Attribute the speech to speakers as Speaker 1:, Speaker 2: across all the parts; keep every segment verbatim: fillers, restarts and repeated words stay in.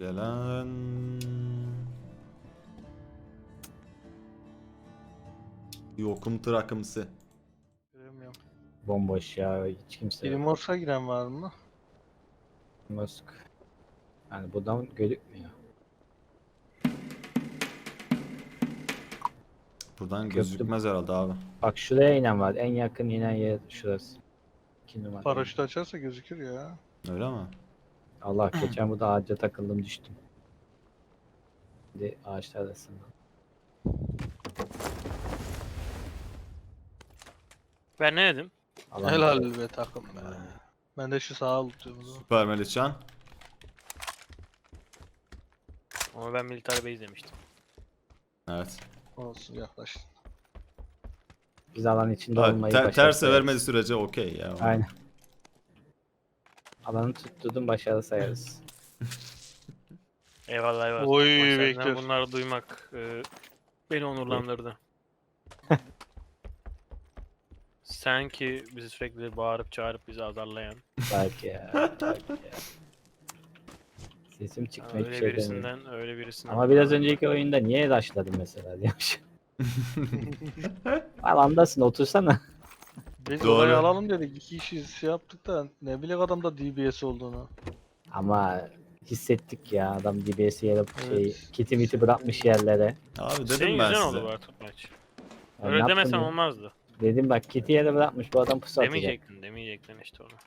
Speaker 1: Gelen... Yokum tırakımsı.
Speaker 2: Göremiyorum.
Speaker 3: Bomboş ya, hiç kimse yok.
Speaker 2: Primors'a giren var mı?
Speaker 3: Musk. Yani buradan gözükmüyor.
Speaker 1: Buradan
Speaker 3: Köprü-
Speaker 1: gözükmez herhalde abi.
Speaker 3: Bak şuraya inen var. En yakın inen yer şurası. İki numara.
Speaker 2: Paraşüt açarsa gözükür ya.
Speaker 1: Öyle mi?
Speaker 3: Allah, geçen burada ağaca takıldım, düştüm. Şimdi ağaçlar arasında.
Speaker 4: Ben ne dedim?
Speaker 3: Alan
Speaker 2: Helal
Speaker 3: var.
Speaker 2: be takım be. Ben de şu sağa tutuyorum o zaman.
Speaker 1: Süper Melihcan.
Speaker 4: Ama ben Military Base demiştim.
Speaker 1: Evet.
Speaker 2: Olsun yaklaştım.
Speaker 3: Biz alan içinde
Speaker 1: Ha,
Speaker 3: olmayı
Speaker 1: ter,
Speaker 3: başardık.
Speaker 1: terse vermediği sürece okey ya.
Speaker 3: Aynen. Alanı tutturdum, başarı sayarız.
Speaker 4: Eyvallah eyvallah.
Speaker 2: Oy,
Speaker 4: Ama senden
Speaker 2: bekliyor.
Speaker 4: bunları duymak e, beni onurlandırdı. Sen ki bizi sürekli bağırıp çağırıp bizi azarlayan,
Speaker 3: Belki ya. Belki ya. Sesim çıkmıyor, hiçbir
Speaker 4: öyle
Speaker 3: şey demiyorum.
Speaker 4: birisinden öyle birisinden.
Speaker 3: Ama biraz önceki oyunda niye rushladım mesela diyormuş. Alandasın, otursana.
Speaker 2: Biz
Speaker 1: Doğru.
Speaker 2: orayı alalım dedik. İki kişi şey yaptık da ne bilek adamda D B S olduğunu.
Speaker 3: Ama hissettik ya, adam D B S'i yere şey,
Speaker 2: Evet.
Speaker 3: kiti miti bırakmış yerlere.
Speaker 1: Abi dedim
Speaker 4: Senin
Speaker 1: ben
Speaker 4: yüzünden
Speaker 1: size.
Speaker 4: oldu bu artık maç.
Speaker 3: Ya ne
Speaker 4: Öyle
Speaker 3: yaptın
Speaker 4: demesen
Speaker 3: ya?
Speaker 4: olmazdı.
Speaker 3: Dedim bak, kiti yere bırakmış, bu adam pusu atacak.
Speaker 4: Demeyecektin, demeyecektin işte onu.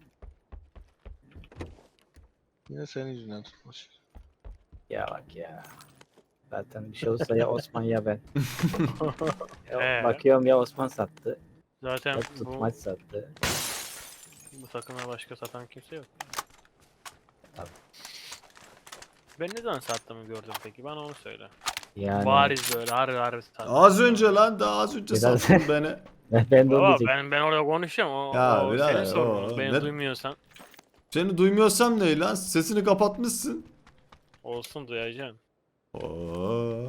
Speaker 2: Yine senin yüzünden tutmuş.
Speaker 3: Ya bak ya. Zaten bir şey olursa ya Osman ya ben. Ya
Speaker 4: Ee?
Speaker 3: bakıyorum ya Osman sattı,
Speaker 4: Zaten
Speaker 3: ya
Speaker 4: bu,
Speaker 3: tutmaç sattı.
Speaker 4: bu takıma başka satan kimse yok.
Speaker 3: Tabii.
Speaker 4: Ben ne zaman sattığımı gördüm peki? Bana onu söyle.
Speaker 3: Yani
Speaker 4: Bariz böyle harbi harbi sattım.
Speaker 1: Az önce lan daha az önce
Speaker 3: Biraz-
Speaker 1: sattın beni.
Speaker 3: ben, ben de onu
Speaker 4: Baba
Speaker 3: diyecektim.
Speaker 4: ben ben orada konuşacağım. O,
Speaker 1: Ya
Speaker 4: o
Speaker 1: birader,
Speaker 4: senin sorunun.
Speaker 1: o-
Speaker 4: Beni
Speaker 1: ne-
Speaker 4: duymuyorsan
Speaker 1: Seni duymuyorsam ne lan? Sesini kapatmışsın.
Speaker 4: olsun duyacaksın.
Speaker 1: Oo.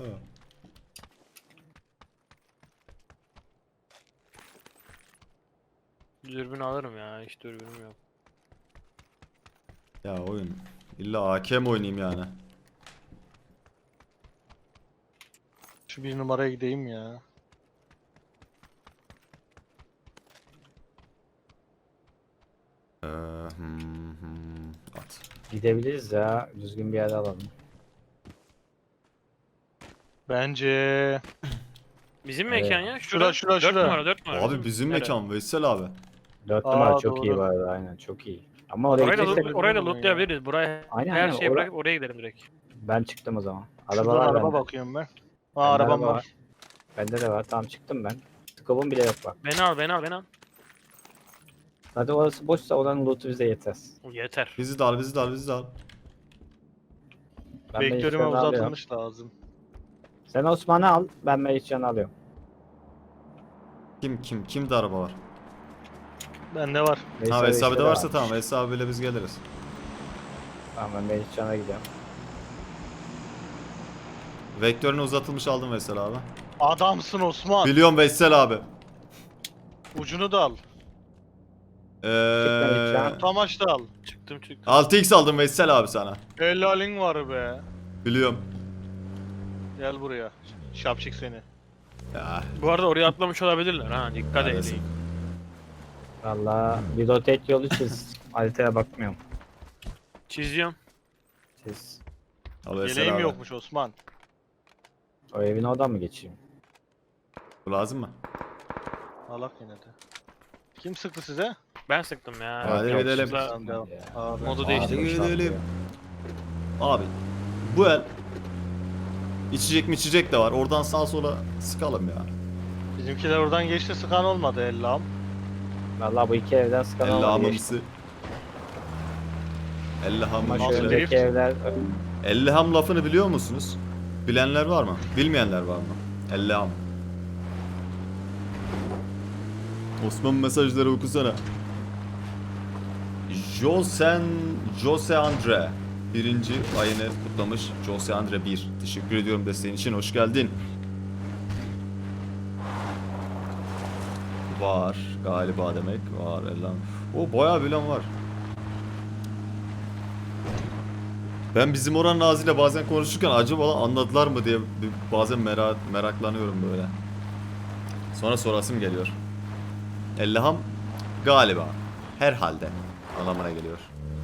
Speaker 4: Dürbün alırım ya. Hiç dürbünüm yok.
Speaker 1: Ya oyun. İlla hakem oynayayım yani.
Speaker 2: Şu bir numaraya gideyim ya.
Speaker 1: Ee, hmm, hmm, at.
Speaker 3: Gidebiliriz ya, düzgün bir yere alalım.
Speaker 2: Bence
Speaker 4: Bizim
Speaker 3: Evet.
Speaker 4: mekan ya.
Speaker 2: Şura, şura,
Speaker 4: dört
Speaker 2: şura.
Speaker 4: numara dört numara.
Speaker 1: Abi bizim
Speaker 4: Nere?
Speaker 1: mekan Veysel abi.
Speaker 3: Dört
Speaker 2: Aa,
Speaker 3: numara çok
Speaker 2: doğru.
Speaker 3: iyi var, aynen çok iyi. Ama oraya
Speaker 4: Orayı da,
Speaker 3: gidecek,
Speaker 4: loot, orayı da
Speaker 2: bilmiyorum ya.
Speaker 4: lootlayabiliriz. Buraya
Speaker 3: Aynen,
Speaker 4: her
Speaker 3: aynen,
Speaker 4: şeyi
Speaker 3: ora-
Speaker 4: bırakıp oraya gidelim direkt.
Speaker 3: ben çıktım o zaman.
Speaker 2: şuradan
Speaker 3: Arabalar
Speaker 2: araba
Speaker 3: bende.
Speaker 2: bakıyorum ben. Aa
Speaker 3: Bende
Speaker 2: arabam
Speaker 3: araba
Speaker 2: var.
Speaker 3: Bende de var, tamam çıktım ben. Skobum bile yok bak.
Speaker 4: Beni al beni al beni al.
Speaker 3: Hadi orası boşsa oranın lootu bize yeter.
Speaker 4: Yeter.
Speaker 1: Bizi de al bizi de al bizi de al.
Speaker 3: Ben
Speaker 2: Vektörüme
Speaker 3: Melihcan'ı alıyorum.
Speaker 2: uzatılmış lazım.
Speaker 3: Sen Osman'ı al, ben Melihcan'ı alıyorum.
Speaker 1: Kim kim kimde araba var?
Speaker 2: Bende var.
Speaker 1: Ha
Speaker 3: Veysel
Speaker 1: Veysel abi de
Speaker 3: işte
Speaker 1: varsa
Speaker 3: varmış.
Speaker 1: tamam Veysel abiyle biz geliriz.
Speaker 3: Tamam, ben Melihcan'a gidiyorum.
Speaker 1: Vektörünü uzatılmış aldım Veysel abi.
Speaker 2: Adamsın Osman.
Speaker 1: Biliyorum Veysel abi.
Speaker 2: Ucunu da al.
Speaker 1: Eee
Speaker 3: Melihcan.
Speaker 2: Tamaç da al.
Speaker 4: Çıktım çıktım.
Speaker 1: altı x aldım Veysel abi sana.
Speaker 2: Helalin var be.
Speaker 1: Biliyorum.
Speaker 2: Gel buraya. Şapşik seni.
Speaker 1: Ya
Speaker 4: Bu arada oraya atlamış olabilirler ha. Dikkat
Speaker 1: neredesin?
Speaker 4: edin.
Speaker 3: Valla bir rotate yolu çiz. Haritaya bakmıyorum.
Speaker 4: Çiziyorum.
Speaker 3: Çiz.
Speaker 1: Al Veysel
Speaker 2: Yeleğim
Speaker 1: abi.
Speaker 2: yokmuş Osman.
Speaker 3: O evin oradan mı geçeyim?
Speaker 1: Bu lazım mı?
Speaker 2: Alak yine de. Kim sıktı size?
Speaker 4: Ben sıktım ya.
Speaker 1: Hadi
Speaker 4: Yok,
Speaker 1: gidelim.
Speaker 4: size-
Speaker 2: Tamam devam.
Speaker 3: Ya.
Speaker 2: Abi.
Speaker 4: Modu
Speaker 3: Abi,
Speaker 4: değiştirdim.
Speaker 1: Hadi
Speaker 3: boşaltıyor.
Speaker 1: gidelim. Abi bu el içecek mi içecek de var. Oradan sağa sola sıkalım ya.
Speaker 2: Bizimkiler oradan geçti sıkan olmadı Ellam.
Speaker 3: Valla bu iki evden sıkan
Speaker 1: Elle
Speaker 3: olmadı, geçti.
Speaker 1: hamımsı. Elle ham.
Speaker 3: Ama şu
Speaker 2: Nasıl
Speaker 3: öndeki
Speaker 2: drift?
Speaker 3: evler
Speaker 1: Elle ham lafını biliyor musunuz? Bilenler var mı? Bilmeyenler var mı? Elle ham. Osman mesajları okusana. Josen Jose Andre birinci ayını kutlamış. Jose Andre bir. Teşekkür ediyorum desteğin için. Hoş geldin. Var galiba demek. Var Elham. O bayağı bilen var. Ben bizim oranın ağzıyla bazen konuşurken acaba anladılar mı diye bir- bazen merak, meraklanıyorum böyle. Sonra sorasım geliyor. Ellaham galiba, herhalde anlamına geliyor.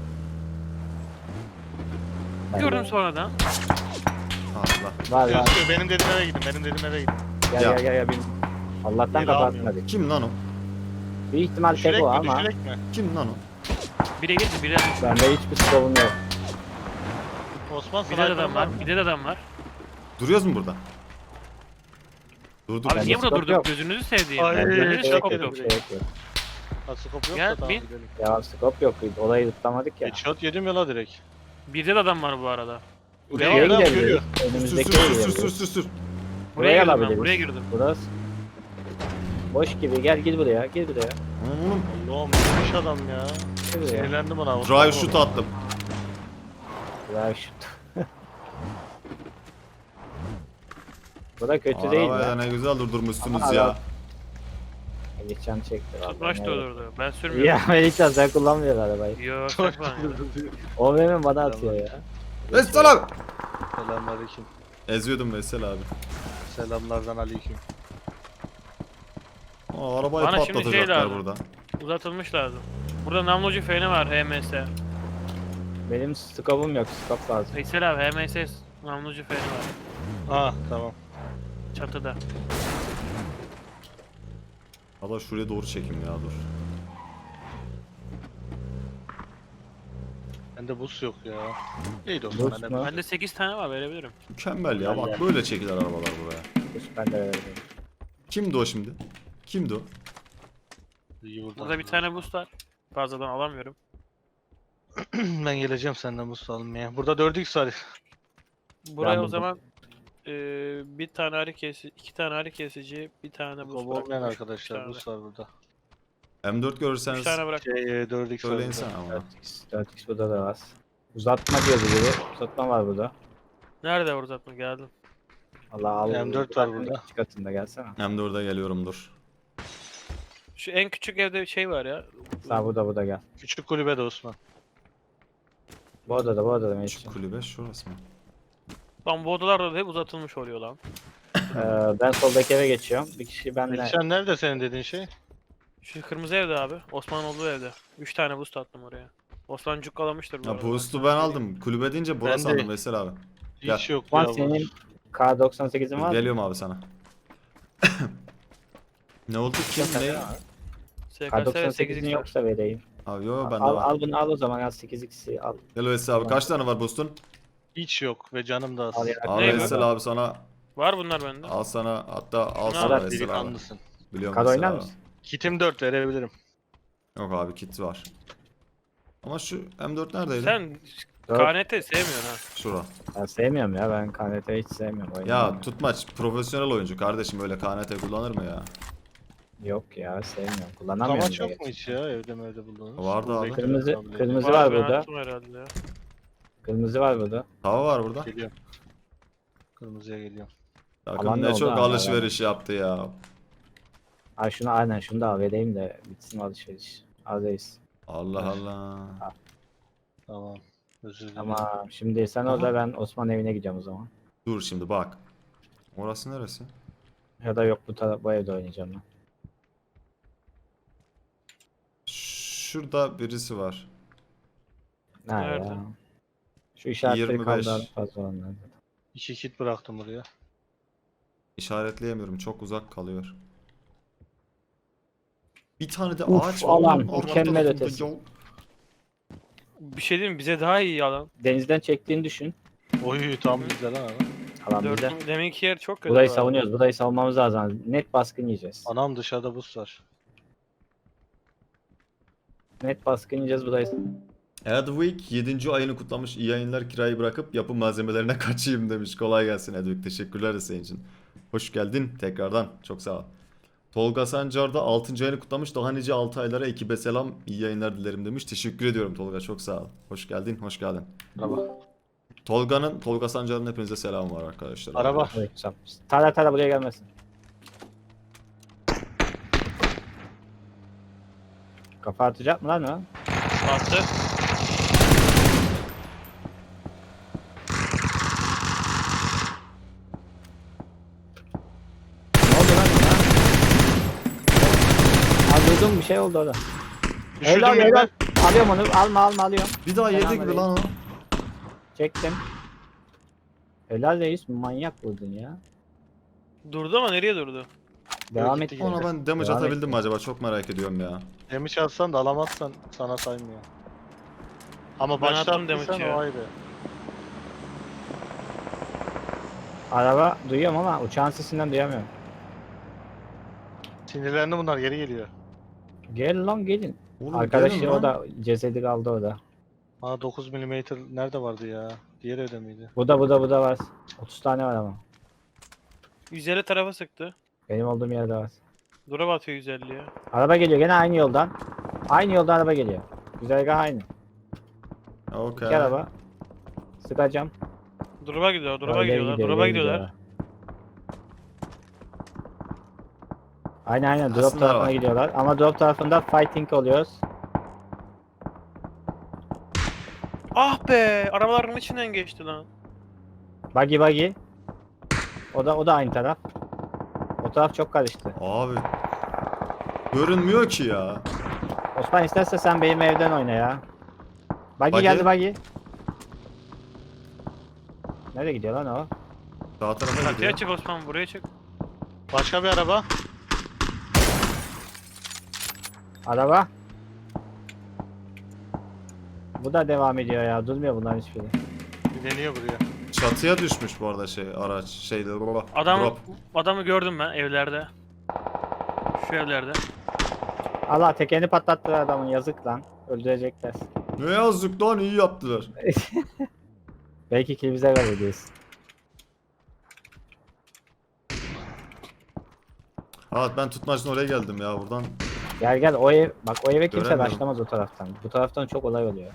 Speaker 3: Ben
Speaker 4: Gördüm
Speaker 3: de-
Speaker 4: sonradan.
Speaker 1: Allah.
Speaker 3: Var var.
Speaker 2: Gözüküyor. Benim dediğim eve gidin. Benim dediğim eve gidin.
Speaker 3: Gel
Speaker 1: Ya.
Speaker 3: gel gel gel. Bin. Allah'tan
Speaker 2: Yeri
Speaker 3: kapatmadık.
Speaker 1: Kim lan o?
Speaker 3: Büyük ihtimal tek
Speaker 2: Düşürek
Speaker 3: o
Speaker 2: mi?
Speaker 3: ama
Speaker 2: Düşürek mi?
Speaker 1: Kim lan o?
Speaker 4: Bire girdi, bire.
Speaker 3: bende hiçbir sorun yok.
Speaker 2: Osman
Speaker 4: Bir de
Speaker 2: sniper
Speaker 4: adam
Speaker 2: var
Speaker 4: var,
Speaker 2: mı?
Speaker 4: bir de adam var.
Speaker 1: Duruyoruz mu burada? Dur dur.
Speaker 4: Abi
Speaker 3: Bende
Speaker 4: niye burada
Speaker 3: scope
Speaker 4: durduk?
Speaker 3: yok.
Speaker 4: Gözünüzü sevdiğim.
Speaker 2: Ay,
Speaker 3: Bende
Speaker 4: Bende
Speaker 3: hiç
Speaker 2: şey
Speaker 3: şey
Speaker 4: scope
Speaker 3: yok.
Speaker 4: yok.
Speaker 3: Şey yok. yok.
Speaker 2: Ha, scope
Speaker 4: Gel,
Speaker 2: yoksa tamam
Speaker 4: bin.
Speaker 2: gidelim.
Speaker 3: Ya scope yok. Olayı tutlamadık ya.
Speaker 2: Headshot yedim ya la direkt.
Speaker 4: Bir de adam var bu arada.
Speaker 3: Buraya
Speaker 2: Devam, devam,
Speaker 3: gidebiliriz.
Speaker 2: görüyor.
Speaker 1: Sür
Speaker 3: Önümüzdeki
Speaker 1: sür
Speaker 3: yere
Speaker 1: sür sür
Speaker 3: gidebiliriz.
Speaker 1: sür sür.
Speaker 3: Buraya
Speaker 4: Buraya girdim ben,
Speaker 3: alabiliriz.
Speaker 4: buraya girdim.
Speaker 3: Burası. Boş gibi. Gel gir buraya. Gir buraya.
Speaker 1: Oğlum,
Speaker 2: Allah'ım neymiş adam ya.
Speaker 3: Gir buraya.
Speaker 2: Sinirlendim ona.
Speaker 1: drive shoot attım.
Speaker 3: Buraya şut. Bu da kötü değil
Speaker 1: Arabaya
Speaker 3: ya.
Speaker 1: ne güzel durdurmuşsunuz
Speaker 3: Ama
Speaker 1: ya.
Speaker 3: adam- Geçen çekti. vallahi,
Speaker 4: Tutmaç da
Speaker 3: evet.
Speaker 4: olurdu. Ben sürmüyorum.
Speaker 3: Ya Melihcan sen kullanmıyor arabayı.
Speaker 4: Yok,
Speaker 2: Çok
Speaker 4: sen kullanıyorsun.
Speaker 3: O benim bana atıyor ya.
Speaker 1: Veysel abi.
Speaker 2: Selamünaleyküm.
Speaker 1: Eziyordum Veysel abi.
Speaker 2: Selamlardan aleyküm.
Speaker 1: Aa, arabayı
Speaker 4: Bana şimdi şey
Speaker 1: patlatacaklar
Speaker 4: lazım.
Speaker 1: burada.
Speaker 4: Uzatılmış lazım. Burada namlucu feni var H M S.
Speaker 3: Benim scope'um yok. Scope lazım.
Speaker 4: Veysel abi H M S namlucu feni var.
Speaker 2: Ha tamam.
Speaker 4: Çatıda.
Speaker 1: Valla şuraya doğru çekim ya dur.
Speaker 2: Bende buz yok ya. İyi de
Speaker 3: Buz
Speaker 2: Osman.
Speaker 3: mu?
Speaker 2: Ben
Speaker 4: Bende sekiz tane var, verebilirim.
Speaker 1: Mükemmel ya, bak
Speaker 3: Mükemmel.
Speaker 1: böyle çekilir arabalar buraya.
Speaker 3: Hiç ben de öyle değilim.
Speaker 1: Kimdi o şimdi? Kimdi o?
Speaker 2: iyi buradan.
Speaker 4: Burada bir tane boost var. Fazladan alamıyorum.
Speaker 2: Ben geleceğim senden buz almaya. Burada dört x var.
Speaker 4: Buraya o
Speaker 3: buldum.
Speaker 4: zaman eee bir tane ağrı kesici, iki tane ağrı kesici, bir tane boost
Speaker 2: Kobo olmayan
Speaker 4: bırakmış.
Speaker 2: arkadaşlar
Speaker 4: Üç tane.
Speaker 2: buz var burada.
Speaker 1: M dört
Speaker 4: Üç
Speaker 1: görürseniz
Speaker 4: tane bırak.
Speaker 2: Şey e, dört x var
Speaker 1: söyleyin
Speaker 2: burada.
Speaker 1: sen ama.
Speaker 3: dört x. dört x burada da var. Uzatma diyordu biri. Uzatma var burada.
Speaker 4: Nerede uzatma, geldim.
Speaker 3: Allah al.
Speaker 2: M dört var burada.
Speaker 3: İki katında gelsene.
Speaker 1: M dörde geliyorum dur.
Speaker 4: Şu en küçük evde bir şey var ya.
Speaker 3: Sağ burada burada gel.
Speaker 2: Küçük kulübede Osman.
Speaker 3: Bu odada bu odada
Speaker 1: Şu
Speaker 3: Melihcan.
Speaker 1: kulübe şurası mı?
Speaker 4: Lan bu odalarda da hep uzatılmış oluyor lan.
Speaker 3: Ee, ben soldaki eve geçiyorum. Bir kişi benle.
Speaker 2: Melihcan nerede senin dediğin şey?
Speaker 4: Şu kırmızı evde abi. Osman olduğu evde. Üç tane boost attım oraya. Osman cukkalamıştır bu
Speaker 1: Ya
Speaker 4: arada.
Speaker 1: boost'u ben aldım. Kulübe deyince burası
Speaker 2: Ben de-
Speaker 1: sandım Veysel abi. Gel.
Speaker 2: Hiç yok
Speaker 3: Ulan
Speaker 2: ya.
Speaker 3: senin K doksan sekizin var mı?
Speaker 1: Geliyorum abi sana. Ne oldu kim ne?
Speaker 4: S
Speaker 3: K
Speaker 4: K S
Speaker 3: doksan
Speaker 4: ve
Speaker 3: sekizin
Speaker 4: sekiz x var.
Speaker 3: yoksa vereyim.
Speaker 1: Abi yo bende
Speaker 3: Al,
Speaker 1: var.
Speaker 3: al bunu al o zaman al sekiz x'i al.
Speaker 1: Gel Veysel abi, kaç tane var boost'un?
Speaker 2: Hiç yok ve canım da az.
Speaker 3: Al ya.
Speaker 1: Al
Speaker 4: Ne
Speaker 1: Veysel abi sana.
Speaker 4: Var bunlar bende.
Speaker 1: Al sana, hatta al
Speaker 4: Şunu
Speaker 1: sana
Speaker 3: al,
Speaker 1: Veysel abi.
Speaker 2: Delikanlısın.
Speaker 1: Biliyorum
Speaker 3: Kad
Speaker 1: Veysel
Speaker 3: oynar
Speaker 1: abi.
Speaker 3: mısın?
Speaker 2: Kitim dört verebilirim.
Speaker 1: Yok abi, kit var. Ama şu M dört neredeydi?
Speaker 4: Sen
Speaker 3: Dört.
Speaker 4: K N T sevmiyorsun ha.
Speaker 1: Şura.
Speaker 3: Ben sevmiyorum ya ben K N T'yi hiç sevmiyorum.
Speaker 1: Ya
Speaker 3: oynamıyorum.
Speaker 1: tutmaç profesyonel oyuncu kardeşim, öyle K N T kullanır mı ya?
Speaker 3: Yok ya sevmiyorum. Kullanamıyorum.
Speaker 2: Kamaç
Speaker 3: da
Speaker 2: yok mu
Speaker 3: gerçi.
Speaker 2: hiç ya evde mi evde bulduğunuz?
Speaker 1: Vardı abi.
Speaker 3: Kırmızı-
Speaker 2: Kabul
Speaker 3: kırmızı-
Speaker 2: ediyorum.
Speaker 3: var
Speaker 4: ben
Speaker 3: burada.
Speaker 4: attım herhalde ya.
Speaker 3: Kırmızı var burada.
Speaker 1: Tava var burada.
Speaker 2: Geliyorum. Kırmızıya geliyorum.
Speaker 1: Takım
Speaker 3: Alan ne
Speaker 1: ne
Speaker 3: oldu
Speaker 1: çok
Speaker 3: abi,
Speaker 1: alışveriş yaptı ya.
Speaker 3: Ay şunu aynen şunu da al vereyim de bitsin alışveriş. Azdayız.
Speaker 1: Allah Allah.
Speaker 2: Tamam. Özür dilerim.
Speaker 3: Tamam şimdi sen
Speaker 1: Aha.
Speaker 3: orada ben Osman evine gideceğim o zaman.
Speaker 1: Dur şimdi bak. Orası neresi?
Speaker 3: Ya da yok bu, taraf, bu evde oynayacağım ben.
Speaker 1: Şurada birisi var.
Speaker 3: Nerede
Speaker 4: Nerede?
Speaker 3: ya? Şu işaretleri
Speaker 1: yirmi beş.
Speaker 3: kaldı fazla olanlar.
Speaker 2: İki kit bıraktım buraya.
Speaker 1: İşaretleyemiyorum, çok uzak kalıyor. Bir tane de
Speaker 3: Uf,
Speaker 1: ağaç var.
Speaker 3: alan,
Speaker 1: oğlum, arka
Speaker 3: mükemmel
Speaker 1: tarafında
Speaker 3: ötesi.
Speaker 1: ya.
Speaker 4: Bir şey diyeyim mi? Bize daha iyi alan.
Speaker 3: Denizden çektiğini düşün.
Speaker 2: Oy tam güzel ha.
Speaker 3: Alan bize.
Speaker 4: Dört, deminki yer çok kötü.
Speaker 3: Burayı
Speaker 4: bu arada.
Speaker 3: savunuyoruz. Burayı savunmamız lazım. Net baskın yiyeceğiz.
Speaker 2: Anam dışarıda buz var.
Speaker 3: Net baskın yiyeceğiz burayı.
Speaker 1: Edwig yedinci ayını kutlamış. İyi yayınlar, kirayı bırakıp yapım malzemelerine kaçayım demiş. Kolay gelsin Edwig. Teşekkürler senin için. Hoş geldin tekrardan. Çok sağ ol. Tolga Sancar da altıncı ayını kutlamış. Daha nice altı aylara ekibe selam. İyi yayınlar dilerim demiş. Teşekkür ediyorum Tolga. Çok sağ ol. Hoş geldin. Hoş geldin.
Speaker 2: Araba.
Speaker 1: Tolga'nın, Tolga Sancar'ın hepinize selam var arkadaşlar.
Speaker 2: Araba.
Speaker 3: Evet, sap. Tara tara buraya gelmesin. Kafa atacak mı lan o?
Speaker 4: Attı.
Speaker 3: şey oldu orada.
Speaker 2: Düşürdüm
Speaker 3: Helal
Speaker 2: beni
Speaker 3: helal.
Speaker 2: ben.
Speaker 3: Alıyorum onu. Alma alma alıyorum.
Speaker 1: Bir daha yedi gibi
Speaker 3: Selamünaleyküm.
Speaker 1: lan o.
Speaker 3: Çektim. Helal reis, manyak vurdun ya.
Speaker 4: Durdu ama nereye durdu?
Speaker 3: Devam
Speaker 2: gitti
Speaker 3: et.
Speaker 2: yine.
Speaker 1: Ona ben damage
Speaker 3: Devam
Speaker 1: atabildim mi
Speaker 3: etti.
Speaker 1: acaba? Çok merak ediyorum ya.
Speaker 2: Damage atsan da alamazsan sana saymıyor. Ama
Speaker 4: Ben
Speaker 2: başta
Speaker 4: attım damage
Speaker 2: attıysan
Speaker 4: ya.
Speaker 2: o ayrı.
Speaker 3: Araba duyuyorum ama uçağın sesinden duyamıyorum.
Speaker 2: Sinirlendi bunlar geri geliyor.
Speaker 3: Gel lan gelin.
Speaker 1: Oğlum
Speaker 3: Arkadaşı
Speaker 1: gelin
Speaker 3: o
Speaker 1: lan.
Speaker 3: da cesedi kaldı orada.
Speaker 2: Bana dokuz milimetre nerede vardı ya? Diğer evde miydi?
Speaker 3: Bu da bu da bu da var. otuz tane var ama.
Speaker 4: yüz elli tarafa sıktı.
Speaker 3: Benim olduğum yerde var.
Speaker 4: Dura batıyor yüz elliye.
Speaker 3: Araba geliyor gene aynı yoldan. Aynı yoldan araba geliyor. Güzergah aynı.
Speaker 1: Okey.
Speaker 3: İki araba. Sıkacağım.
Speaker 4: Drop'a gidiyor, drop'a
Speaker 3: Öyle
Speaker 4: gidiyorlar,
Speaker 3: gidiyor,
Speaker 4: drop'a
Speaker 3: öyle
Speaker 4: gidiyorlar.
Speaker 3: Aynen aynen drop
Speaker 1: Aslında
Speaker 3: tarafına
Speaker 1: var.
Speaker 3: gidiyorlar. Ama drop tarafında fighting oluyoruz.
Speaker 4: Ah be! Arabaların içinden geçti lan.
Speaker 3: Buggy buggy. O da o da aynı taraf. O taraf çok karıştı.
Speaker 1: Abi. Görünmüyor ki ya.
Speaker 3: Osman isterse sen benim evden oyna ya. Buggy,
Speaker 1: Buggy?
Speaker 3: geldi buggy. Nereye gidiyor lan o?
Speaker 1: Sağ tarafa
Speaker 4: Çatıya
Speaker 1: gidiyor.
Speaker 4: çık Osman, buraya çık.
Speaker 2: Başka bir araba.
Speaker 3: Araba. Bu da devam ediyor ya. Durmuyor bunların hiçbiri.
Speaker 2: Deniyor buraya.
Speaker 1: Çatıya düşmüş bu arada şey araç şeyde.
Speaker 4: Adam,
Speaker 1: Drop.
Speaker 4: adamı gördüm ben evlerde. Şu evlerde.
Speaker 3: Allah tekerini patlattı adamın, yazık lan. Öldürecekler.
Speaker 1: Ne yazık lan, iyi yaptılar.
Speaker 3: Belki kill bize verir diyorsun.
Speaker 1: Evet, ben tutmacın oraya geldim ya buradan.
Speaker 3: Gel gel o ev, bak o eve kimse
Speaker 1: Göremiyorum.
Speaker 3: başlamaz o taraftan. Bu taraftan çok olay oluyor.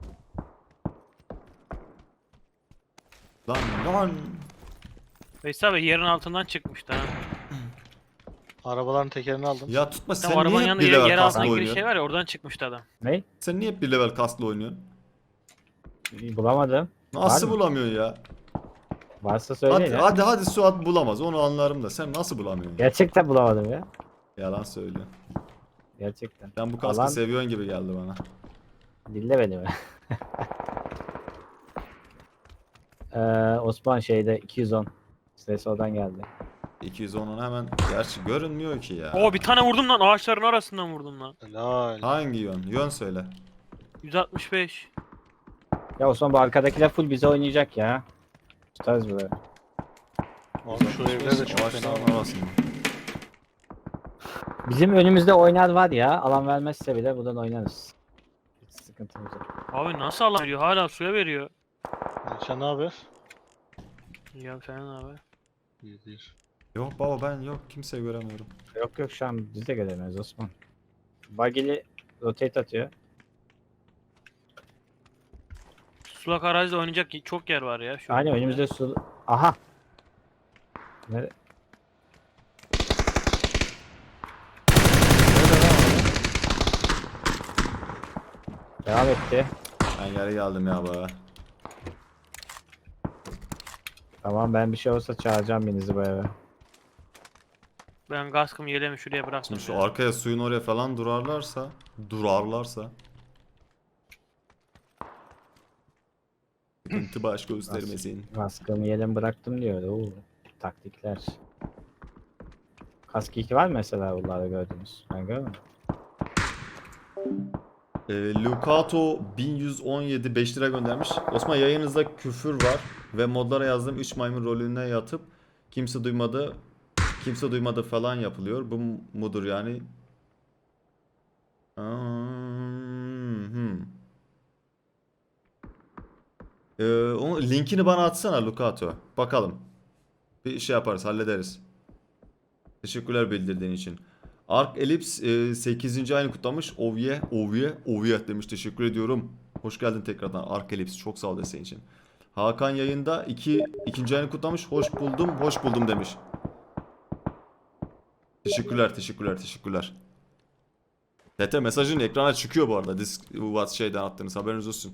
Speaker 1: Lan lan.
Speaker 4: Veysel abi yerin altından çıkmıştı ha.
Speaker 2: Arabaların tekerini aldım.
Speaker 1: Ya tutma,
Speaker 4: Tam
Speaker 1: sen
Speaker 4: arabanın
Speaker 1: niye hep
Speaker 4: yanında
Speaker 1: bir
Speaker 4: yer,
Speaker 1: level
Speaker 4: yer
Speaker 1: kaslı
Speaker 4: altına giriş
Speaker 1: oynuyorsun?
Speaker 4: şey var ya, oradan çıkmıştı adam.
Speaker 3: Ne?
Speaker 1: Sen niye hep bir level kaslı oynuyorsun?
Speaker 3: Bulamadım.
Speaker 1: Nasıl
Speaker 3: Var mı?
Speaker 1: bulamıyorsun ya?
Speaker 3: Varsa söyle
Speaker 1: Hadi,
Speaker 3: ya.
Speaker 1: hadi hadi Suat bulamaz, onu anlarım da sen nasıl bulamıyorsun? Ya?
Speaker 3: Gerçekten bulamadım ya.
Speaker 1: Yalan söylüyor.
Speaker 3: Gerçekten.
Speaker 1: Sen bu kaskı
Speaker 3: Alan-
Speaker 1: seviyorsun gibi geldi bana.
Speaker 3: Dinle beni be. ee, Osman şeyde iki yüz on. Ses oradan geldi.
Speaker 1: iki yüz onun hemen, gerçi görünmüyor ki ya.
Speaker 4: Oo bir tane vurdum lan, ağaçların arasından vurdum lan.
Speaker 2: Helal.
Speaker 1: Hangi yön? Yön söyle.
Speaker 4: yüz altmış beş.
Speaker 3: Ya Osman bu arkadakiler full bize oynayacak ya. Tutarız böyle.
Speaker 2: Abi şu evler de çok fena.
Speaker 1: Ağaçların arasında.
Speaker 3: Bizim önümüzde oynar var ya. Alan vermezse bile buradan oynarız. Hiç sıkıntımız yok.
Speaker 4: Abi nasıl alan veriyor? Hala suya veriyor.
Speaker 2: Sen ne haber?
Speaker 4: Ya sen abi.
Speaker 2: İyi değil.
Speaker 1: Yok baba, ben yok, kimseyi göremiyorum.
Speaker 3: Yok yok şu an biz de göremiyoruz Osman. Bagili rotate atıyor.
Speaker 4: Sulak arazide oynayacak çok yer var ya. Şu
Speaker 3: Aynen
Speaker 4: an.
Speaker 3: önümüzde su... Aha! Nere... Devam etti.
Speaker 1: Ben geri geldim ya baba.
Speaker 3: Tamam ben bir şey olursa çağıracağım birinizi bu eve.
Speaker 4: Ben kaskımı yelemi şuraya bıraktım.
Speaker 1: Şimdi şu
Speaker 4: ya.
Speaker 1: arkaya, suyun oraya falan durarlarsa, durarlarsa sıkıntı baş göstermesin.
Speaker 3: Kaskımı yerim bıraktım diyor. Oo, taktikler. Kask iki var mı mesela bunlarda gördünüz? Ben görmedim.
Speaker 1: E, Lucato bin yüz on yedi beş lira göndermiş. Osman, yayınızda küfür var ve modlara yazdığım üç maymun rolüne yatıp kimse duymadı, kimse duymadı falan yapılıyor. Bu mudur yani? Hmm. Ee, o linkini bana atsana Lucato. Bakalım. Bir şey yaparız, hallederiz. Teşekkürler bildirdiğin için. Ark Elips e, sekizinci ayını kutlamış. Ovye, Ovye, Ovye demiş. Teşekkür ediyorum. Hoş geldin tekrardan Ark Elips. Çok sağ ol desteğin için. Hakan yayında iki, ikinci ayını kutlamış. Hoş buldum, hoş buldum demiş. Teşekkürler, teşekkürler, teşekkürler. T T mesajın ekrana çıkıyor bu arada. Disk what şeyden attığınız, haberiniz olsun.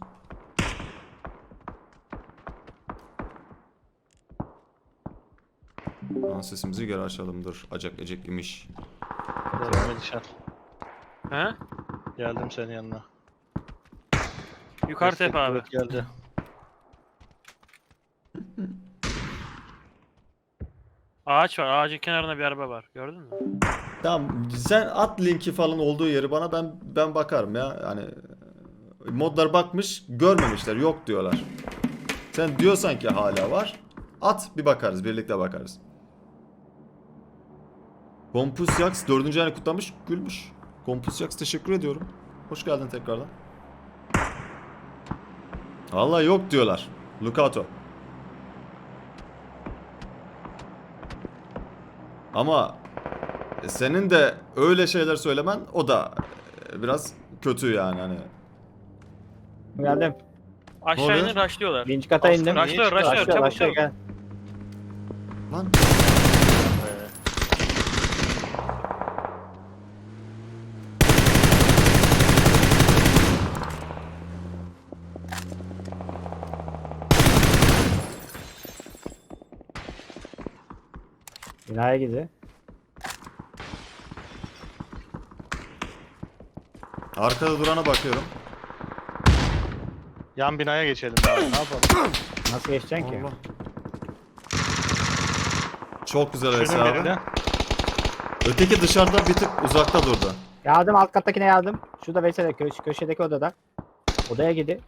Speaker 1: Lan sesimizi geri açalım, dur. Acak ecek imiş.
Speaker 2: Devam edişen.
Speaker 4: He?
Speaker 2: Geldim senin yanına.
Speaker 4: Yukarı
Speaker 2: Destek
Speaker 4: tepe abi.
Speaker 2: kuvvet Geldi.
Speaker 4: Ağaç var. Ağacın kenarında bir araba var. Gördün mü?
Speaker 1: Tamam sen at linki falan olduğu yeri bana, ben ben bakarım ya. Yani modlar bakmış görmemişler, yok diyorlar. Sen diyorsan ki hala var, at bir bakarız, birlikte bakarız. Kompusyax dördüncü ayını kutlamış, gülmüş. Kompusyax teşekkür ediyorum. Hoş geldin tekrardan. Vallahi yok diyorlar. Lucato. Ama senin de öyle şeyler söylemen, o da biraz kötü yani hani.
Speaker 3: Geldim.
Speaker 4: Aşağı
Speaker 1: oluyor?
Speaker 4: inin rushlıyorlar.
Speaker 3: Birinci kata
Speaker 2: Aslında
Speaker 3: indim.
Speaker 2: niye
Speaker 4: Rushlıyor,
Speaker 2: çıkar-
Speaker 4: rushlıyor.
Speaker 3: Aşağı
Speaker 4: Çabuk
Speaker 3: aşağı
Speaker 4: çabuk.
Speaker 3: gel.
Speaker 1: Lan
Speaker 2: Be.
Speaker 3: Binaya gidiyor.
Speaker 1: arkada durana bakıyorum.
Speaker 2: Yan binaya geçelim abi. Ne yapalım?
Speaker 3: Nasıl geçeceksin ki?
Speaker 1: Allah. Çok güzel
Speaker 2: Şunun
Speaker 1: Veysel abi.
Speaker 2: birine.
Speaker 1: Öteki dışarıda bir tık uzakta durdu.
Speaker 3: Yardım, alt kattakine yardım. Şurada Veysel köş köşedeki odada. Odaya gidi.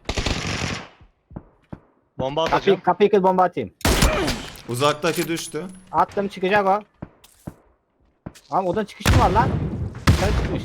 Speaker 2: Bomba atacağım.
Speaker 3: Kapıyı, kapıyı kır, bomba atayım.
Speaker 1: Uzaktaki düştü.
Speaker 3: Attım, çıkacak o. Ama odanın çıkışı mı var lan? Dışarı çıkmış.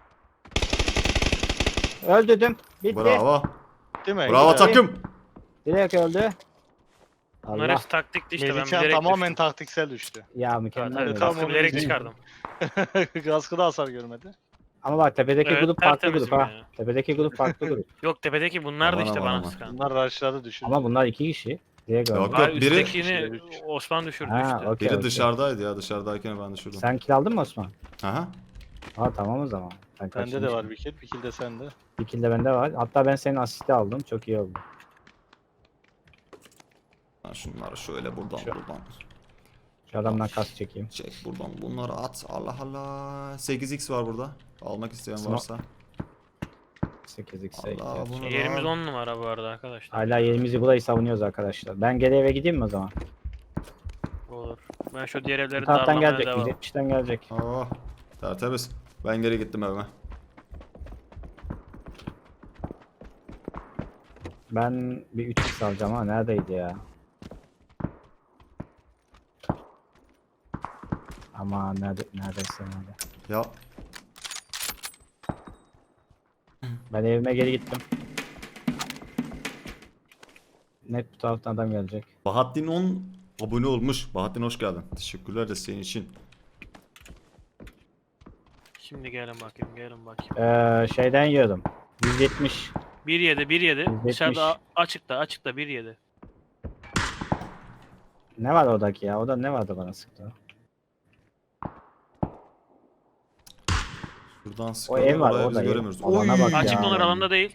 Speaker 3: Öldürdüm. Bitti.
Speaker 1: Bravo.
Speaker 2: Değil mi?
Speaker 1: Bravo
Speaker 2: Güzel.
Speaker 1: takım.
Speaker 3: Direkt öldü.
Speaker 4: Bunlar
Speaker 3: Allah.
Speaker 4: hepsi taktikti işte. Ben
Speaker 2: Melihcan
Speaker 4: bilerek
Speaker 2: tamamen
Speaker 4: düştüm.
Speaker 2: taktiksel düştü.
Speaker 3: Ya
Speaker 4: Evet,
Speaker 3: mükemmel.
Speaker 4: evet,
Speaker 3: oldu.
Speaker 2: tam
Speaker 4: kaskı
Speaker 2: onu
Speaker 4: bilerek
Speaker 2: izledim.
Speaker 4: çıkardım.
Speaker 2: Kaskı da hasar görmedi.
Speaker 3: Ama bak tepedeki
Speaker 4: Evet,
Speaker 3: grup farklı
Speaker 4: tertemizim
Speaker 3: grup ha.
Speaker 4: yani.
Speaker 3: Tepedeki grup farklı grup.
Speaker 4: Yok tepedeki bunlar da
Speaker 1: Aman
Speaker 4: işte
Speaker 1: aman
Speaker 4: bana
Speaker 1: aman.
Speaker 4: sıkan.
Speaker 2: Bunlar rushladı düşün.
Speaker 3: Ama bunlar iki kişi. Direkt öldü.
Speaker 1: Yok.
Speaker 4: Var
Speaker 1: biri-
Speaker 4: üsttekini
Speaker 2: Üç.
Speaker 4: Osman düşürdü
Speaker 3: Ha,
Speaker 4: işte.
Speaker 3: okey,
Speaker 1: Biri
Speaker 3: okey.
Speaker 1: dışarıdaydı ya, dışarıdayken ben düşürdüm.
Speaker 3: Sen kill aldın mı Osman?
Speaker 1: Aha.
Speaker 3: Ha tamam o zaman. Ben
Speaker 2: Bende de
Speaker 3: kaçırmışım.
Speaker 2: var bir kill. Bir kill de sende.
Speaker 3: Bir kill de bende var. Hatta ben senin asisti aldım. Çok iyi oldu.
Speaker 1: Lan şunları şöyle buradan
Speaker 3: Şu-
Speaker 1: buradan.
Speaker 3: Şu adamdan kas çekeyim.
Speaker 1: Çek buradan bunları at. Allah Allah. sekiz x var burada. Almak isteyen
Speaker 3: Smoke.
Speaker 1: varsa.
Speaker 3: sekiz x.
Speaker 1: Allah bunu da
Speaker 4: Yerimiz
Speaker 1: al.
Speaker 4: on numara bu arada arkadaşlar.
Speaker 3: Hala yerimizi burayı savunuyoruz arkadaşlar. Ben geri eve gideyim mi o zaman?
Speaker 4: Olur. Ben şu diğer evleri
Speaker 3: Bu taraftan
Speaker 4: darlamaya
Speaker 3: gelecek.
Speaker 4: devam.
Speaker 3: yüz yetmişten gelecek.
Speaker 1: Oh. Tertemiz. Ben geri gittim evime.
Speaker 3: Ben bir üç x alacağım ama neredeydi ya? Ama nerede, neredeyse nerede.
Speaker 1: Ya
Speaker 3: Ben evime geri gittim. Net bu taraftan adam gelecek.
Speaker 1: Bahattin on abone olmuş. Bahattin hoş geldin. Teşekkürler de senin için.
Speaker 4: Şimdi gelin bakayım gelin bakayım.
Speaker 3: Ee, şeyden yiyordum. yüz yetmiş.
Speaker 4: bir yedi bir yedi.
Speaker 3: yetmiş.
Speaker 4: Dışarıda a- açıkta açıkta bir yedi.
Speaker 3: Ne var oradaki ya? Orada ne vardı bana sıktı?
Speaker 1: Buradan
Speaker 3: ev
Speaker 1: sıkıyorlar.
Speaker 3: var,
Speaker 1: Orayı
Speaker 3: o
Speaker 1: biz
Speaker 3: da ev.
Speaker 1: göremiyoruz.
Speaker 3: Alana bak ya.
Speaker 4: Açık onlar alanda değil.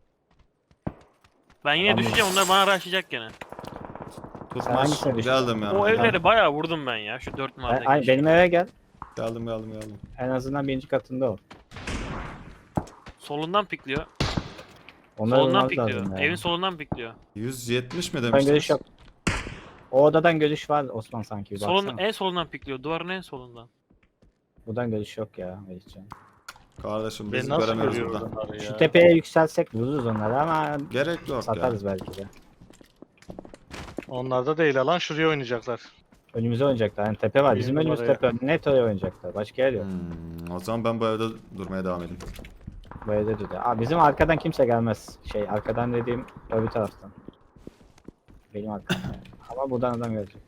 Speaker 4: Ben yine
Speaker 3: Tamam.
Speaker 4: düşeceğim onlar bana rushlayacak gene.
Speaker 3: Sen
Speaker 1: Tutmaç.
Speaker 3: hangisine düştün?
Speaker 1: Geldim yani.
Speaker 4: O evleri bayağı vurdum ben ya şu dört
Speaker 3: Ben-
Speaker 4: mahalledeki.
Speaker 3: ay, benim eve gel.
Speaker 1: Geldim geldim geldim.
Speaker 3: En azından birinci katında ol.
Speaker 4: Solundan pikliyor.
Speaker 3: Onlar
Speaker 4: solundan
Speaker 3: olmaz
Speaker 4: pikliyor.
Speaker 3: lazım ya.
Speaker 4: Evin solundan pikliyor.
Speaker 1: yüz yetmiş mi
Speaker 3: Ben
Speaker 1: demiştiniz?
Speaker 3: görüş yok. O odadan görüş var Osman sanki bir
Speaker 4: Solun,
Speaker 3: baksana.
Speaker 4: en solundan pikliyor. Duvarın en solundan.
Speaker 3: Buradan görüş yok ya Melihcan.
Speaker 1: Kardeşim biz
Speaker 2: Ben nasıl
Speaker 1: göremiyoruz
Speaker 2: görüyorum
Speaker 1: burada.
Speaker 2: onları ya?
Speaker 3: Şu tepeye yükselsek vururuz onları ama
Speaker 1: Gerek yok ya.
Speaker 3: satarız belki de.
Speaker 2: Onlarda değil alan şuraya oynayacaklar.
Speaker 3: Önümüze oynayacaklar. Yani tepe var.
Speaker 2: Bir
Speaker 3: Bizim önümüz
Speaker 2: numaraya.
Speaker 3: tepe. Net oraya oynayacaklar. Başka yer yok.
Speaker 1: Hmm, o zaman ben bu evde durmaya devam edeyim.
Speaker 3: Böyle de dedi. Aa, bizim arkadan kimse gelmez. Şey arkadan dediğim öbür taraftan. Benim arkamdan. yani. Ama buradan adam gelecek.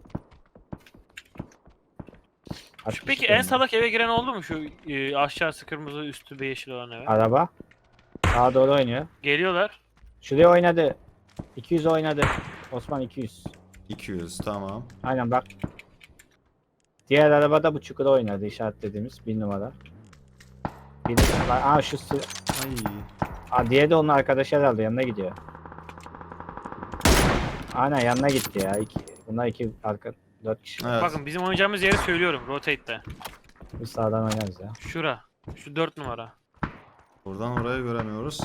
Speaker 3: Kaç
Speaker 4: Şu
Speaker 3: kişi
Speaker 4: peki en
Speaker 3: geldi?
Speaker 4: sağdaki eve giren oldu mu? Şu e, aşağısı kırmızı üstü yeşil olan eve.
Speaker 3: Araba. Sağa doğru oynuyor.
Speaker 4: Geliyorlar.
Speaker 3: Şuraya oynadı. iki yüz oynadı. Osman iki yüz.
Speaker 1: iki yüz tamam.
Speaker 3: Aynen bak. Diğer arabada bu çukura oynadı işaretlediğimiz bir numara. Bir numara. Aa şu sı-
Speaker 1: Ay.
Speaker 3: Aa, diğeri de onun arkadaşı herhalde yanına gidiyor. Aynen yanına gitti ya. İki, bunlar iki arka dört kişi.
Speaker 1: Evet.
Speaker 4: Bakın bizim oynayacağımız yeri söylüyorum. Rotate'de.
Speaker 3: Biz sağdan oynarız ya.
Speaker 4: Şura. Şu dört numara.
Speaker 1: Buradan oraya göremiyoruz.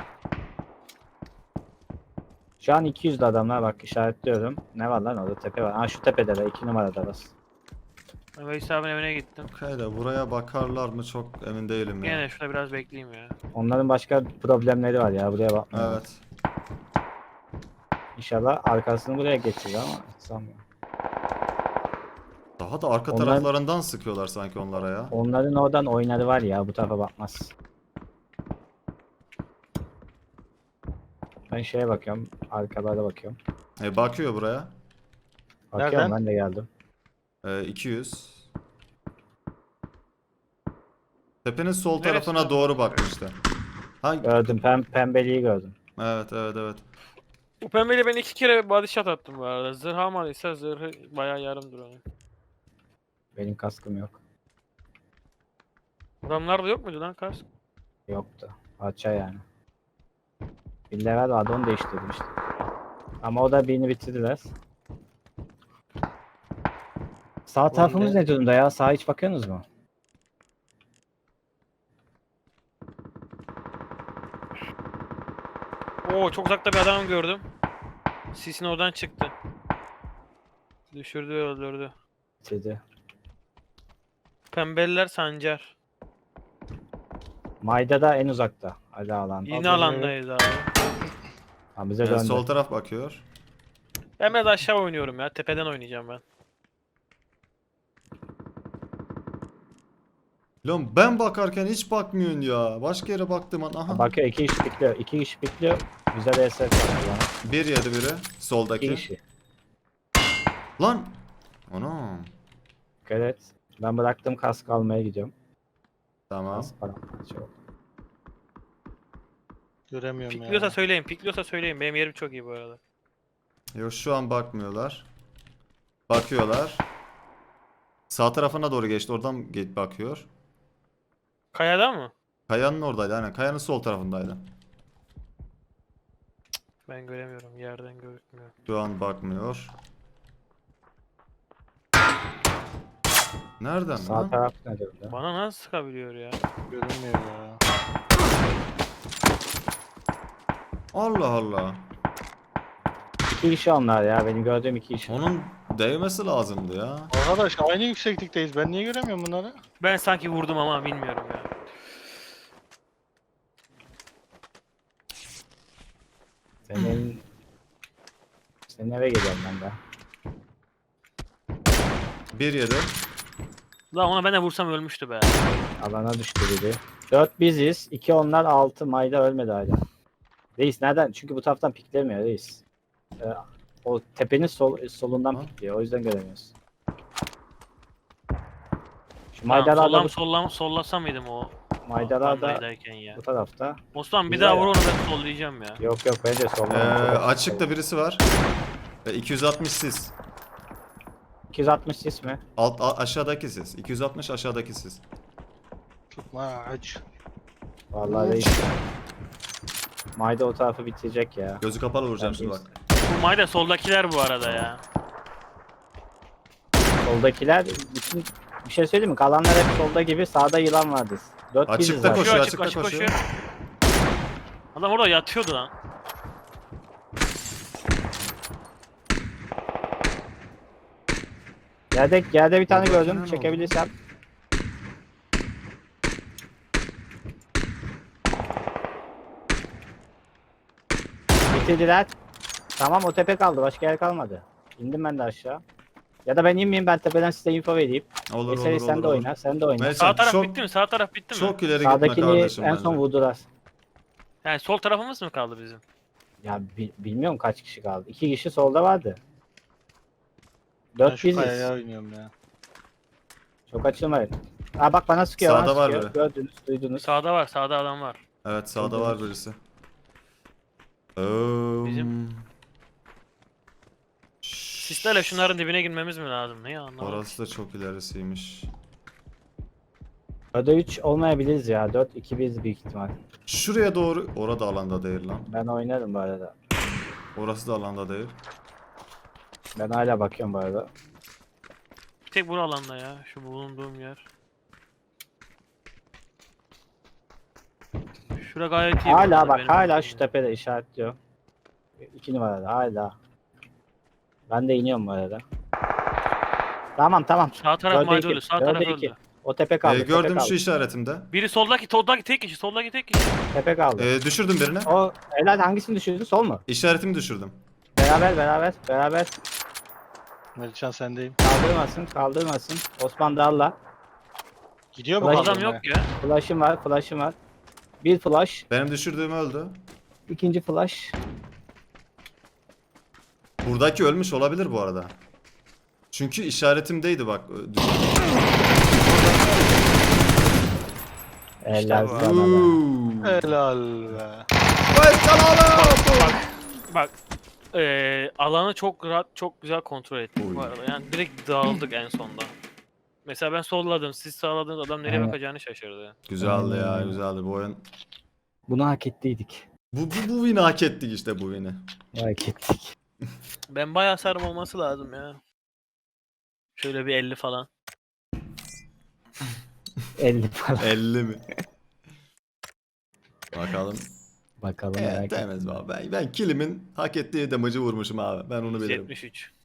Speaker 3: Şu an iki yüzde adamlar, bak işaretliyorum. Ne var lan orada, tepe var. Ha şu tepede de iki numarada bas.
Speaker 4: Ben Veys abinin evine gittim.
Speaker 1: Okay de buraya bakarlar mı çok emin değilim ya.
Speaker 4: Gene şurada biraz bekleyeyim ya.
Speaker 3: Onların başka problemleri var ya, buraya bakmıyor.
Speaker 1: Evet.
Speaker 3: İnşallah arkasını buraya geçirir ama hiç sanmıyorum.
Speaker 1: Daha da arka
Speaker 3: Onlar-
Speaker 1: taraflarından sıkıyorlar sanki onlara ya.
Speaker 3: Onların oradan oynadı var ya, bu tarafa bakmaz. Ben şeye bakıyorum, arkalara bakıyorum.
Speaker 1: E, bakıyor buraya.
Speaker 3: Bakıyorum,
Speaker 2: Nereden?
Speaker 3: ben de geldim.
Speaker 1: E, iki yüz. Tepenin sol
Speaker 4: Neresi
Speaker 1: tarafına
Speaker 4: lan?
Speaker 1: doğru bakmıştı. Ha,
Speaker 3: Gördüm, pem pembeliği gördüm.
Speaker 1: evet evet evet.
Speaker 4: Bu pembeyle ben iki kere body shot attım bu arada. Zırh almadıysa zırhı bayağı yarımdır onun.
Speaker 3: Benim kaskım yok.
Speaker 4: Adamlarda yok muydu lan kask?
Speaker 3: Yoktu. Parça yani. Bir level vardı, onu değiştirdim işte. Ama o da birini bitirdiler. Sağ tarafımız
Speaker 2: ne?
Speaker 3: ne durumda ya? Sağa hiç bakıyorsunuz mu?
Speaker 4: Oo çok uzakta bir adam gördüm. Sisin oradan çıktı. Düşürdü ve öldürdü.
Speaker 3: Bitirdi.
Speaker 4: Pembeliler Sancar.
Speaker 3: Mayda da en uzakta. Hadi alan.
Speaker 4: Yine alandayız abi.
Speaker 3: Ha, bize
Speaker 1: E,
Speaker 3: döndü.
Speaker 1: sol taraf bakıyor.
Speaker 4: Ben biraz aşağı oynuyorum ya. Tepeden oynayacağım ben.
Speaker 1: Lan ben bakarken hiç bakmıyorsun ya. Başka yere baktım an. Aha.
Speaker 3: Bakıyor, iki kişi pikliyor. İki kişi pikliyor. Güzel E S F var bana.
Speaker 1: Bir yedi biri.
Speaker 3: İki
Speaker 1: Soldaki.
Speaker 3: kişi.
Speaker 1: Lan. Anam.
Speaker 3: Evet. Ben bıraktım, kask almaya gidiyorum.
Speaker 1: Tamam.
Speaker 3: Kask falan. Şey oldu.
Speaker 2: Göremiyorum
Speaker 4: Pikliyorsa
Speaker 2: ya.
Speaker 4: söyleyin. Pikliyorsa söyleyin. Benim yerim çok iyi bu arada.
Speaker 1: Yok şu an bakmıyorlar. Bakıyorlar. Sağ tarafına doğru geçti. Oradan ge- bakıyor.
Speaker 4: Kayada mı?
Speaker 1: Kayanın oradaydı. Aynen. Kayanın sol tarafındaydı.
Speaker 4: Ben göremiyorum. Yerden gözükmüyor.
Speaker 1: Şu an bakmıyor. Nereden
Speaker 3: Sağ
Speaker 1: lan?
Speaker 3: taraf ne durumda?
Speaker 4: Bana nasıl sıkabiliyor ya?
Speaker 2: Görünmüyor ya.
Speaker 1: Allah Allah.
Speaker 3: İki kişi onlar ya. Benim gördüğüm iki kişi.
Speaker 1: Onun değmesi lazımdı ya.
Speaker 2: Arkadaş aynı yükseklikteyiz. Ben niye göremiyorum bunları?
Speaker 4: Ben sanki vurdum ama bilmiyorum ya.
Speaker 3: Senin... Senin eve geliyorum ben de.
Speaker 1: Bir yedi.
Speaker 4: Lan ona ben de vursam ölmüştü be.
Speaker 3: Alana düştü biri. Dört biziz. iki onlar, altı. Mayda ölmedi hala. Reis nereden? Çünkü bu taraftan piklemiyor reis. Ee, o tepenin sol, solundan
Speaker 1: Ha?
Speaker 3: pikliyor. O yüzden göremiyoruz. Şu
Speaker 4: Tamam,
Speaker 3: maydalar da
Speaker 4: sollam,
Speaker 3: bu,
Speaker 4: sollam, sollasam mıydım o
Speaker 3: maydalar da
Speaker 4: bandayken ya.
Speaker 3: bu tarafta.
Speaker 4: Osman bir
Speaker 3: Güzel
Speaker 4: daha
Speaker 3: ya.
Speaker 4: vur onu ben sollayacağım ya.
Speaker 3: Yok yok, bence
Speaker 1: Ee,
Speaker 3: soldan.
Speaker 1: açıkta birisi var. Ve iki yüz altmış siz.
Speaker 3: iki yüz altmış sis mi?
Speaker 1: Alt a- aşağıdaki siz. iki yüz altmış aşağıdaki siz.
Speaker 2: Tutma aç.
Speaker 3: Vallahi reis. Mayda o tarafı bitirecek ya.
Speaker 1: Gözü kapalı vuracağım
Speaker 3: Ben
Speaker 1: şimdi
Speaker 3: biz-
Speaker 1: bak.
Speaker 4: Bu mayda soldakiler bu arada ya.
Speaker 3: Soldakiler bütün, bir şey söyleyeyim mi? Kalanlar hep solda gibi, sağda yılan vardı. Dört
Speaker 1: Açıkta
Speaker 3: biziz zaten.
Speaker 1: koşuyor,
Speaker 4: Koşuyor açık
Speaker 1: açıkta
Speaker 4: açık
Speaker 1: koşuyor.
Speaker 4: koşuyor. Adam orada yatıyordu lan.
Speaker 3: Yerde, yerde bir tane
Speaker 1: Buradaki
Speaker 3: gördüm.
Speaker 1: ne
Speaker 3: Çekebilirsem. Bitirdiler. Tamam, o tepe kaldı. Başka yer kalmadı. İndim ben de aşağı. Ya da ben inmeyeyim, ben tepeden size info vereyim.
Speaker 1: Olur olur
Speaker 3: Eseri
Speaker 1: olur.
Speaker 3: sen de
Speaker 1: olur.
Speaker 3: oyna. Sen de oyna.
Speaker 1: Neyse,
Speaker 4: Sağ taraf
Speaker 1: çok,
Speaker 4: bitti mi? Sağ taraf bitti mi?
Speaker 1: çok ileri gitme
Speaker 3: Sağdakini
Speaker 1: kardeşim
Speaker 3: en
Speaker 1: bence.
Speaker 3: son vurdular.
Speaker 4: Yani sol tarafımız mı kaldı bizim?
Speaker 3: Ya bi- bilmiyorum kaç kişi kaldı. İki kişi solda vardı.
Speaker 2: Ben
Speaker 3: Dört
Speaker 2: şu
Speaker 3: biziz.
Speaker 2: kayaya oynuyorum ya.
Speaker 3: Çok açılmayın. Aa bak, bana sıkıyor.
Speaker 1: Sağda
Speaker 3: bana
Speaker 1: var
Speaker 3: sıkıyor.
Speaker 1: biri.
Speaker 3: Gördünüz, duydunuz.
Speaker 4: Sağda var, sağda adam var.
Speaker 1: Evet sağda var birisi.
Speaker 4: Bizim- Sislerle şunların dibine girmemiz mi lazım? Ne ya anlamadım.
Speaker 1: Orası da çok ilerisiymiş.
Speaker 3: Dörde üç olmayabiliriz ya. Dört iki bir büyük ihtimal.
Speaker 1: Şuraya doğru. Orada alanda değil lan.
Speaker 3: Ben oynarım bu arada.
Speaker 1: Orası da alanda değil.
Speaker 3: Ben hala bakıyorum bu arada.
Speaker 4: Bir tek bu alanda ya. Şu bulunduğum yer. Şura gayet iyi. bu
Speaker 3: Hala
Speaker 4: arada
Speaker 3: bak
Speaker 4: benim
Speaker 3: hala
Speaker 4: için.
Speaker 3: şu tepede işaretliyor. İki numarada hala. Ben de iniyorum bu arada. Tamam tamam.
Speaker 4: Sağ taraf
Speaker 3: Dörde
Speaker 4: mayda
Speaker 3: iki,
Speaker 4: öldü. Sağ
Speaker 3: dörde
Speaker 4: taraf
Speaker 3: iki.
Speaker 4: öldü.
Speaker 3: O tepe kaldı.
Speaker 1: Ee,
Speaker 3: tepe
Speaker 1: gördüm
Speaker 3: kaldı.
Speaker 1: şu işaretimde.
Speaker 4: Biri soldaki, soldaki tek kişi, soldaki tek kişi.
Speaker 3: Tepe kaldı.
Speaker 1: Ee, düşürdüm birini.
Speaker 3: O helal hangisini düşürdün? Sol mu?
Speaker 1: İşaretimi düşürdüm.
Speaker 3: Beraber beraber beraber.
Speaker 2: Melihcan sendeyim.
Speaker 3: Kaldırmasın kaldırmasın. Osman Dalla.
Speaker 2: Gidiyor mu
Speaker 3: Ulan
Speaker 4: Adam
Speaker 2: kaldırmaya?
Speaker 4: yok ya.
Speaker 3: Flash'ım var flash'ım var. Bir flash.
Speaker 1: Benim düşürdüğüm öldü.
Speaker 3: İkinci flash.
Speaker 1: Buradaki ölmüş olabilir bu arada. Çünkü işaretimdeydi bak.
Speaker 3: Helal
Speaker 4: bu.
Speaker 3: sana be.
Speaker 1: Uuu.
Speaker 2: Helal be.
Speaker 4: Bak. Eee alanı çok rahat, çok güzel kontrol ettik
Speaker 1: Oy.
Speaker 4: bu arada. Yani direkt dağıldık en sonda. Mesela ben solladım, siz sağladınız, adam nereye
Speaker 3: Evet.
Speaker 4: bakacağını şaşırdı.
Speaker 1: Güzeldi ya
Speaker 3: Aynen.
Speaker 1: güzeldi bu oyun.
Speaker 3: Bunu hak ettiydik.
Speaker 1: Bu, bu, bu win'i hak ettik işte bu win'i.
Speaker 3: Hak ettik.
Speaker 4: Ben bayağı sarım olması lazım ya. Şöyle bir elli falan.
Speaker 3: elli falan.
Speaker 1: elli mi? Bakalım.
Speaker 3: Bakalım
Speaker 1: Evet
Speaker 3: merak ettim.
Speaker 1: temiz abi. Ben, ben kilimin hak ettiği damage'ı vurmuşum abi. Ben onu bilirim.
Speaker 4: yetmiş üç.